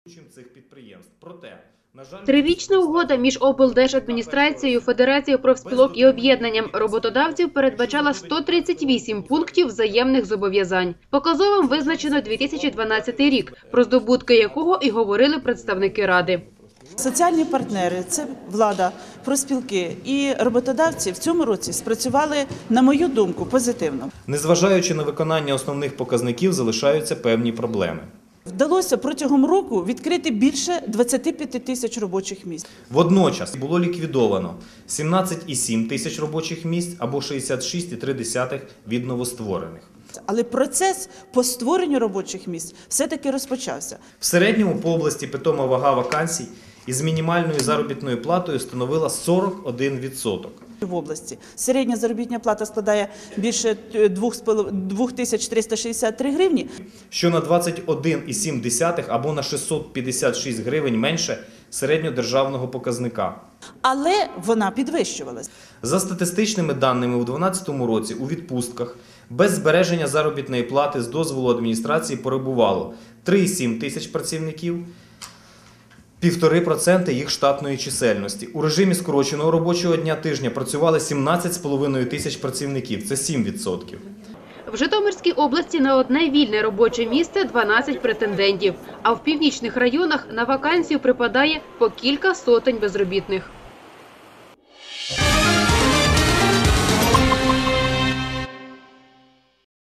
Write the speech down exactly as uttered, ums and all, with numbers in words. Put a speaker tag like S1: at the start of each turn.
S1: цих підприємств. Проте, на жаль,
S2: Трирічна угода між облдержадміністрацією, Федерацією профспілок і об'єднанням роботодавців передбачала сто тридцять вісім пунктів взаємних зобов'язань. Показовим визначено дві тисячі дванадцятий рік, про здобутки якого і говорили представники Ради.
S3: Соціальні партнери – це влада, профспілки і роботодавці в цьому році спрацювали, на мою думку, позитивно.
S1: Незважаючи на виконання основних показників, залишаються певні проблеми.
S3: Вдалося протягом року відкрити більше двадцяти п'яти тисяч робочих місць.
S1: Водночас було ліквідовано сімнадцять цілих сім десятих тисяч робочих місць або шістдесят шість цілих три десятих від новостворених.
S3: Але процес по створенню робочих місць все-таки розпочався.
S1: В середньому по області питома вага вакансій із мінімальною заробітною платою становила сорок один відсоток.
S3: В області середня заробітна плата складає більше двох тисяч триста шістдесят три гривні.
S1: Що на двадцять один цілих сім десятих або на шістсот п'ятдесят шість гривень менше середньодержавного показника.
S3: Але вона підвищувалась.
S1: За статистичними даними, у дві тисячі дванадцятому році у відпустках без збереження заробітної плати з дозволу адміністрації перебувало три цілих сім тисяч працівників, півтори відсотки їх штатної чисельності. У режимі скороченого робочого дня тижня працювали сімнадцять з половиною тисяч працівників, це сім відсотків.
S2: В Житомирській області на одне вільне робоче місце дванадцять претендентів, а в північних районах на вакансію припадає по кілька сотень безробітних.